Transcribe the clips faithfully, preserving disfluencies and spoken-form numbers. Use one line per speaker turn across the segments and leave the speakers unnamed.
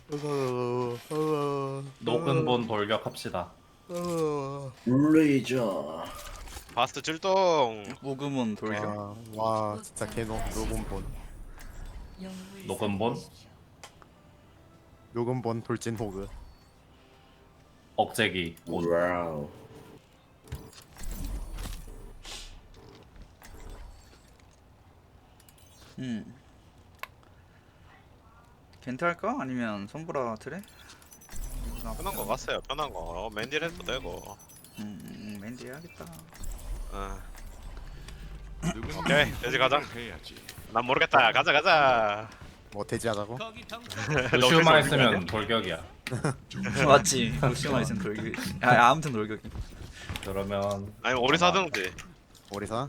녹은본 돌격합시다.
레이저.
바스트 출동.
모금은 돌려.
와, 와 진짜 개노 녹음본
녹은본
녹음본 돌진 호그.
억제기 옷.
와우.
음. 겐트 할까? 아니면 손보라 트레?
편한 거 갔어요. 편한 거. 어, 맨딜 해도 되고.
음, 음 맨디 해야겠다.
어. 오케이 돼지 가자. 난 모르겠다. 가자 가자.
뭐 돼지하자고?
루시우만 했으면 돌격이야.
맞지. 무시만 있으면 돌격이. 아 아무튼 돌격이.
그러면
아니 오리 사든지.
오리사?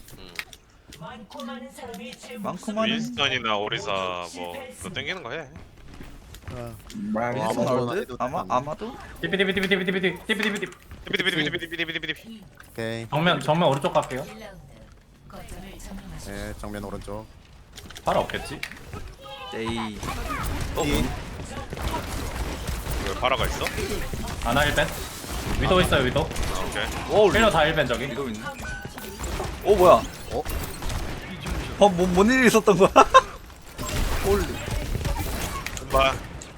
많구만.
윈스턴이나 오리사 뭐 그거 땡기는 거 해.
말
아,
윈스턴
아마도
나올 듯?
해도
아마
되겠네.
아마도?
띠비띠비띠비띠비띠비띠 띠비띠비띠.
비비디비디비디비디비디비디.
오케이.
정면 정면 오른쪽 갈게요.
네 정면 오른쪽.
팔 없겠지?
에이. 어?
이
왜 파라가 있어?
아나 일 벤. 위도 있어요 위도.
오케이.
오
힐러 다 일 벤 저기.
이거 있네. 오 뭐야?
어?
어, 뭐, 뭔 일이 있었던 거야? 홀리.
봐.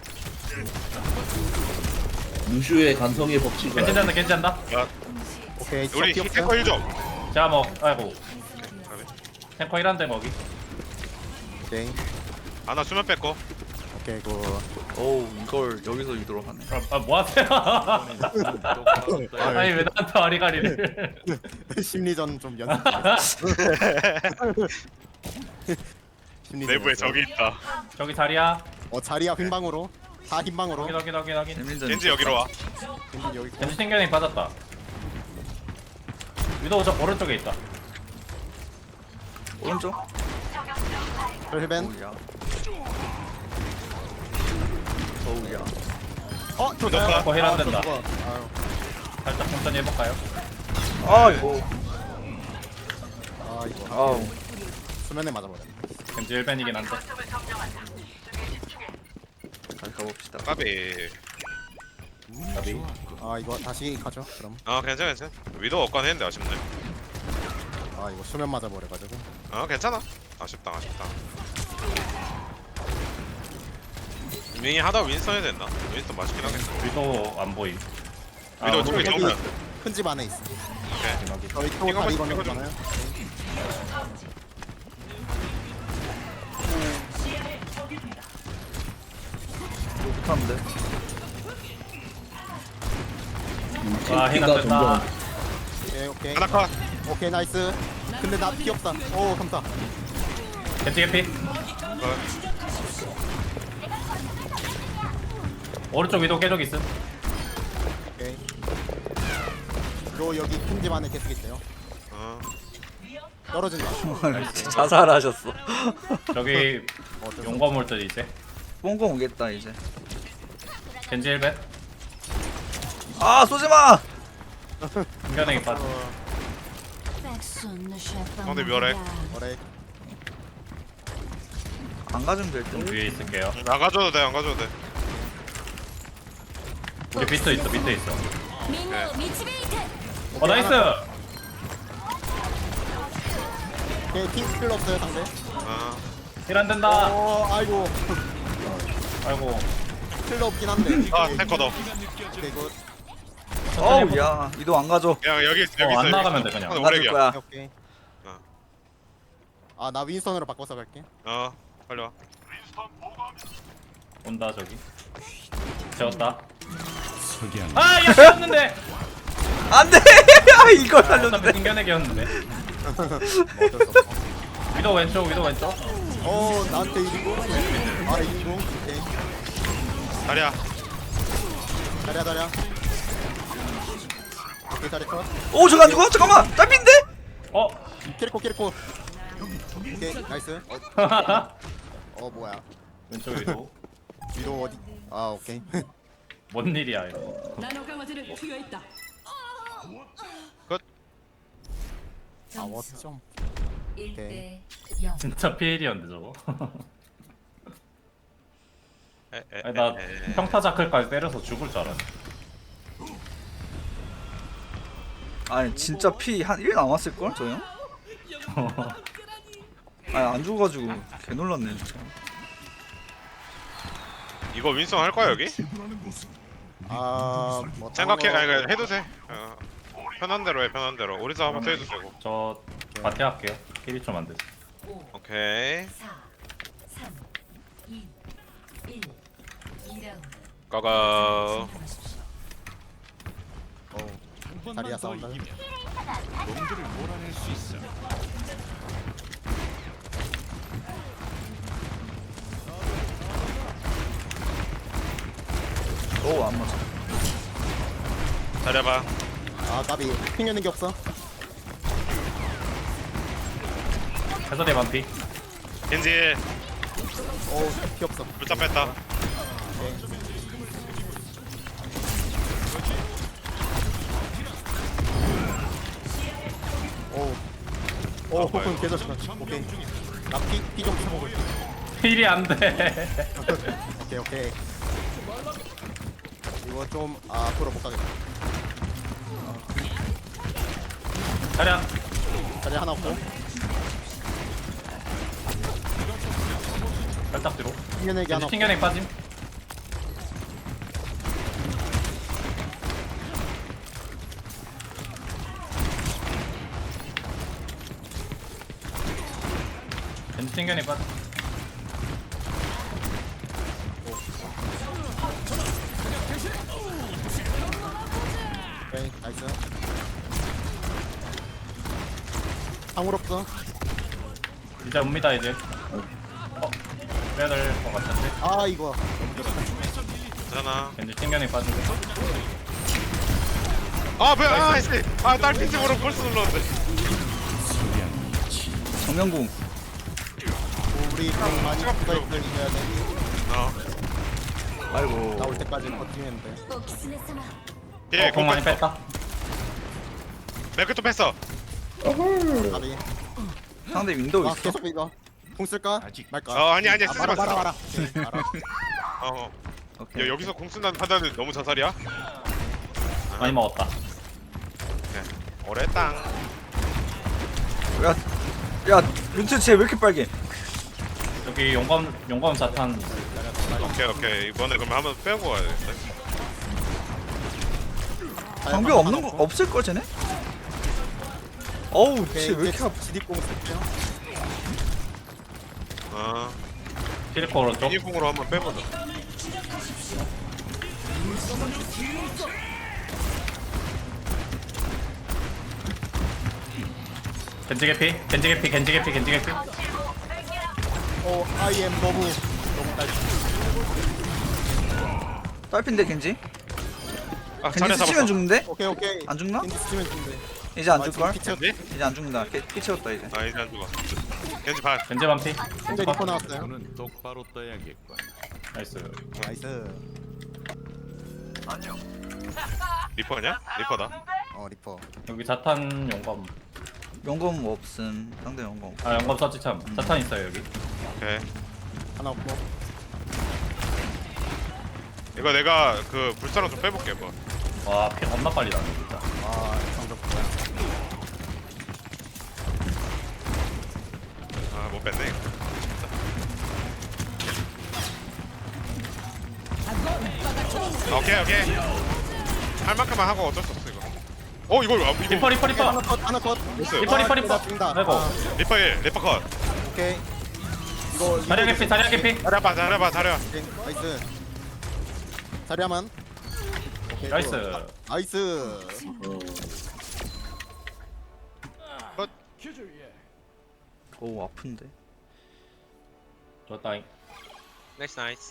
루슈의 간성의 법칙을.
괜찮다 괜찮다.
오케이.
우리
티
탱커 일 점.
자 뭐 아이고 탱커 일한대 거기.
오케이.
아나 수면 뺐고.
오케이 그
오 이걸 여기서 유도로 하네.
아 뭐하세요? 아니 왜 나한테 아리가리를.
심리전 좀 연습. 심리전
내부에
연습.
적이 있다.
저기 자리야.
어 자리야 흰방으로. 다 흰방으로.
확인 확인 확인 확인.
재민전.
겐지 여기로 와.
흰 여기.
겐지 튕겨내 빠졌다. 위도 저 오른쪽에 있다.
오른쪽.
헬벤.
오우야. 오우야.
어
너
좋다.
거힐 안 된다.
좋아. 아유.
살짝 천천히 해볼까요?
아 이거.
아 이거
아우.
수면에 맞아버려.
겐지 일 벤이긴 한데.
다시 가봅시다.
까비.
나비.
아 이거 다시 가죠. 그럼.
아 괜찮아 괜찮아. 위도 없건 했는데 아쉽네.
아 이거 수면 맞아버려가지고.
아 괜찮아. 아쉽다 아쉽다. 윙이 하다 윈스턴 해야 됐나? 윈스턴 맛있긴 하겠어.
위도 안 보임.
위도 저기
여기
정면.
큰 집 안에 있어.
여기.
저희 또
이거
다리
이거
건너
좀-
잖아요.
못하는데.
와 힐 안
가
된다.
오케이 오케이.
하나 컷.
오케이 나이스. 근데 나 피 없다. 오 감사.
겐지 개피. 오른쪽 위도 깨적 있음.
오케이. 요 여기 큰 집 안에 계속 있어요.
어.
떨어진다.
자살하셨어.
저기
어쩔 수
용검 올 듯 이제.
뽕공 오겠다 이제.
겐지 일 벤.
아 쏘지 마.
튕겨내기 빠져.
상대 멸해.
거래.
안 가주면 될 듯.
위에 있을게요.
안 가져도 돼 안 가져도 돼.
우리 비트 있어 비트 있어.
みんなを導いて
어 나이스.
오케이 킹 필요 없어요 상대.
아
힐 안 된다.
어 아이고
아이고.
필요 없긴 한데.
아, 탱커 더.
오케이 굿.
어우 야 이도 안 가져.
야 여기 있어 여기
어,
있어.
안
여기
나가면
있어.
돼, 그냥.
상대
안 가줄
오렉이야.
거야.
오케이.
어.
아 나 윈선으로 바꿔서 갈게.
어 빨리 와.
온다 저기. 재웠다. 아야 재웠는데.
안돼. 아 이걸
어차피
살렸는데.
튕겨내기였는데.
뭐 어쩔 수 없어.
위도 왼쪽 위도 왼쪽.
어 나한테 이기고. 아 이기고. 오케이.
다리야.
다리야 다리야. 오케이 다리 컷.
오 저거 안 죽어? 잠깐만. 짧인데?
어.
키리코 키리코. 오케이 나이스. 어 뭐야.
왼쪽 위도.
위도 어디? 아 오케이.
뭔 일이야 이거.
七日までで気がいった
아 워점.
일
오케이.
대 영
진짜 피해리였는데 저거.
에, 에,
아니 나
에, 에.
평타 자클까지 때려서 죽을 줄 알았네.
아니 진짜 피 한 일 남았을걸 저 형? 아니 안 죽어가지고 개 놀랐네 진짜.
이거 윈성 할 거야 여기?
아뭐
생각해, 아니 그냥 해도 돼. 어, 편한 대로 해, 편한 대로. 우리도 한번 해도 되고.
저 마티 할게요. 힐이 좀 안 돼.
오케이.
사, 삼, 이, 일. 이 라운드.
고고.
어 자리야 싸운다.
오안 맞아.
잘해봐.
아 까비 핑 있는 게 없어.
해설의 반피.
겐지
어피 없어.
물자 뺐다.
오. 오 호흡은 계속 오케이. 나피피좀 쳐보고 있어.
힐이 안 돼.
오케이 오케이. 이거 좀 아, 앞으로 못 가겠다.
자리야.
자리 하나 없고.
살짝 뒤로.
튕겨내기 하나
겐지
없고.
튕겨내 빠짐. 겐지 튕겨내 빠짐.
오케이 나이스. 방울 없어.
이제 옵니다 이제. 어? 빼야 될 것 같은데.
아 이거.
괜찮아.
겐지 튕겨내 빠짐.
아 뭐야? 아 씨. 아 딸핀집으로 벌써 눌렀는데.
정면궁.
우리 좀 많이 부가있들 이겨야 돼.
어.
아이고.
나올 때까지 버티면 돼.
오키스네 사마.
예,
어, 공 많이
뺐어.
뺐다.
맥크도 뺐어.
가비.
상대 윈도우
아
있어.
계속 이거. 공 쓸까? 말까?
어, 아니, 아니,
아,
쓰지
말아
마,
말아
쓰지
말아. 오케이, 알아.
어.
오케이.
야, 여기서 공 쓴다는 판단은 너무 자살이야?
많이 먹었다.
오래 땅.
야, 야, 윤트 쟤왜 이렇게 빨개?
여기 용검 용검 자탄.
오케이, 오케이. 이번에 그러면 한번 빼고 가야 돼.
방벽 없는 거 없을 걸 쟤네? 어우,
오케이,
쟤왜 이렇게
이제
아파?
지디공 쓸게요.
어.
피리코 오른쪽.
미니공으로 한번 빼보자.
겐지 개피. 겐지 개피. 겐지 개피. 겐지 개피.
어, 아이엠 너무 너무 딸.
딸핀데 겐지?
아,
겐지
자네
스치면
잡았어.
죽는데?
오케이 오케이.
안 죽나?
겐지 스치면 죽는데.
이제 안
아,
죽걸?
지금
겐지?
이제 안 죽는다. 피, 피 채웠다 이제.
아, 이제 안 죽어. 겐지 반.
겐지 반피.
겐지 리퍼 나왔어요.
눈은 똑바로 떠야겠군.
나이스.
나이스.
리퍼냐? 리퍼다.
어 리퍼.
여기 자탄 용검.
용검 없음. 상대 용검.
아 용검 썼지 참. 자탄 있어요 여기.
오케이.
하나 없고.
이거 내가 그 불사랑 좀 빼볼게, 뭐.
와 피 겁나 빨리 나네 진짜.
아 상적 뭐야.
아, 못 뺐네. 이거. 오케이, 오케이. 할 만큼만 하고 어쩔 수 없어, 이거. 어, 이걸, 아, 이거.
리퍼 리퍼 리퍼.
하나 컷 하나 컷.
됐어요.
리퍼 리퍼 리퍼.
죽는다.
아이고.
아,
리퍼 일, 리퍼 컷.
오케이. 이거
자리야 개피. 자리야 개피.
잘해봐, 잘해봐, 잘해봐.
오케이, 나이스. 자리야만. 오케이,
나이스.
또. 나이스.
오 아픈데.
좋다잉.
나이스, 나이스.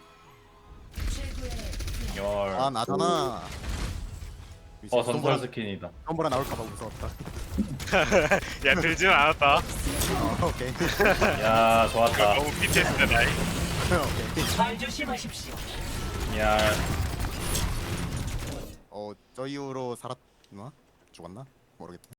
열.
아 나잖아.
어 전설 스킨이다.
덤보라 나올까봐 무서웠다.
야, 들지는 않았다.
어, 오케이.
야 좋았다.
너무 비티에스다, 나이.
오케이.
야
어, 저 이후로 살았나? 죽었나? 모르겠다.